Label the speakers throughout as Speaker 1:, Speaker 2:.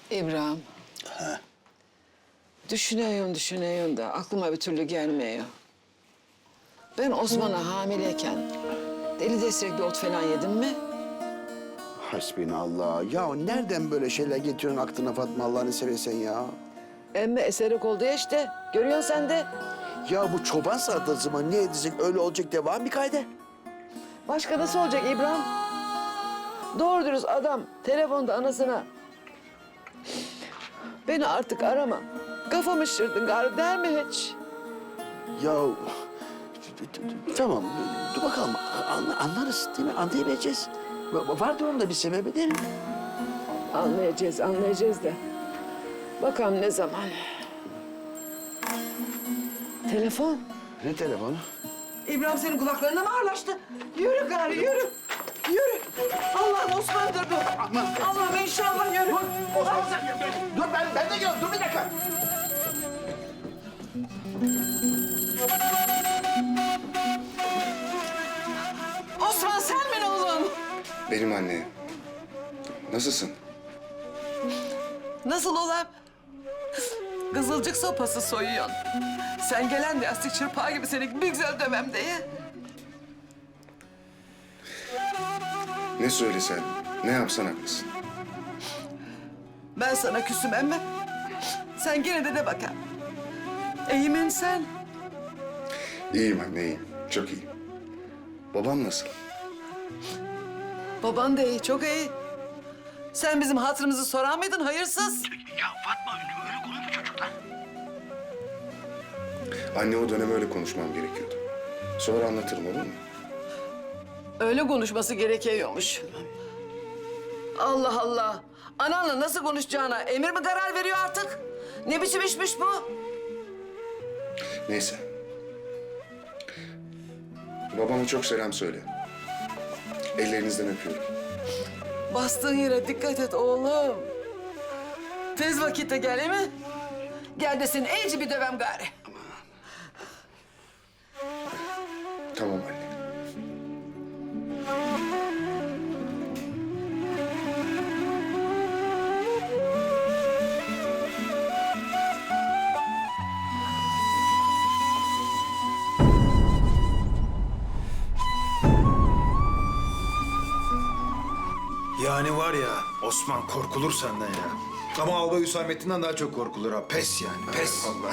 Speaker 1: İbrahim. Düşünüyorum da aklıma bir türlü gelmiyor. Ben Osman'a hamileyken deli destekli ot falan yedim mi?
Speaker 2: Hasbinallah. Ya nereden böyle şeyler getiriyorsun aklına Fatma Allah'ını seversen ya?
Speaker 1: Emme eserek oldu ya işte. Görüyorsun sen de.
Speaker 2: Ya bu çoban salatası mı? Ne edecek? Öyle olacak devam bir kayda.
Speaker 1: Başka nasıl olacak İbrahim? Doğru dürüst adam telefonda anasına beni artık arama. Kafamı şişirdin gari der mi hiç?
Speaker 2: Ya tamam dur bakalım anlarız değil mi? Anlayabileceğiz. Vardır onun da bir sebebi değil mi?
Speaker 1: Anlayacağız da. Bakalım ne zaman. Telefon.
Speaker 2: Ne telefonu?
Speaker 1: İbrahim senin kulaklarına mı ağırlaştı? Yürü gari yürü. Yürü. Allah'ım Osman'dır bu. Allah'ım inşallah yürü.
Speaker 2: Osman dur ben de geliyorum. Dur bir dakika.
Speaker 1: Osman sen mi oğlum?
Speaker 3: Benim anne. Nasılsın?
Speaker 1: Nasıl olam? Kızılcık sopası soyuyorsun. Sen gelen de yastık çırpağı gibi seni bir güzel dövem diye.
Speaker 3: Ne söylesen, ne yapsan haklısın.
Speaker 1: Ben sana küsüm emme. Sen gene de bakalım. İyimin sen.
Speaker 3: İyiyim anne, iyiyim. Çok iyiyim. Babam nasıl?
Speaker 1: Baban da iyi, çok iyi. Sen bizim hatırımızı sorar mıydın hayırsız?
Speaker 3: Anne o dönem öyle konuşmam gerekiyordu. Sonra anlatırım olur mu?
Speaker 1: Öyle konuşması gerekiyormuş. Allah Allah. Ananla nasıl konuşacağına emir mi karar veriyor artık? Ne biçim işmiş bu?
Speaker 3: Neyse. Babama çok selam söyle. Ellerinizden öpüyorum.
Speaker 1: Bastığın yere dikkat et oğlum. Tez vakitte gel mi? Gel de seni iyice bir dövem gari.
Speaker 3: Tamam anne.
Speaker 4: Yani var ya Osman korkulur senden ya. Ama Albay Hüsamettin'den daha çok korkulur ha. Pes yani pes.
Speaker 3: Allah.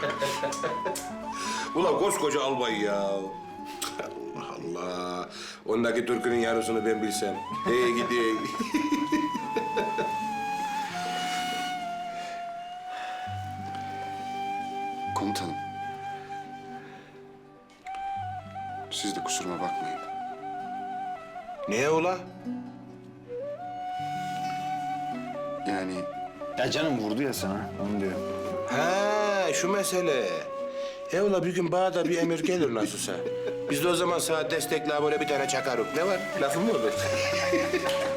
Speaker 5: Ulan koskoca albay ya. Allah Allah. Ondaki türkünün yarısını ben bilsem. Hey gidi.
Speaker 3: Komutanım. Siz de kusuruma bakmayın.
Speaker 5: Niye ula?
Speaker 3: Yani
Speaker 4: Ya canım vurdu ya sana onu diyor.
Speaker 5: Ha şu mesele. Ula bir gün bana da bir emir gelir nasılsa. Biz de o zaman sana destekle böyle bir tane çakarık. Ne var? Lafım mı olur?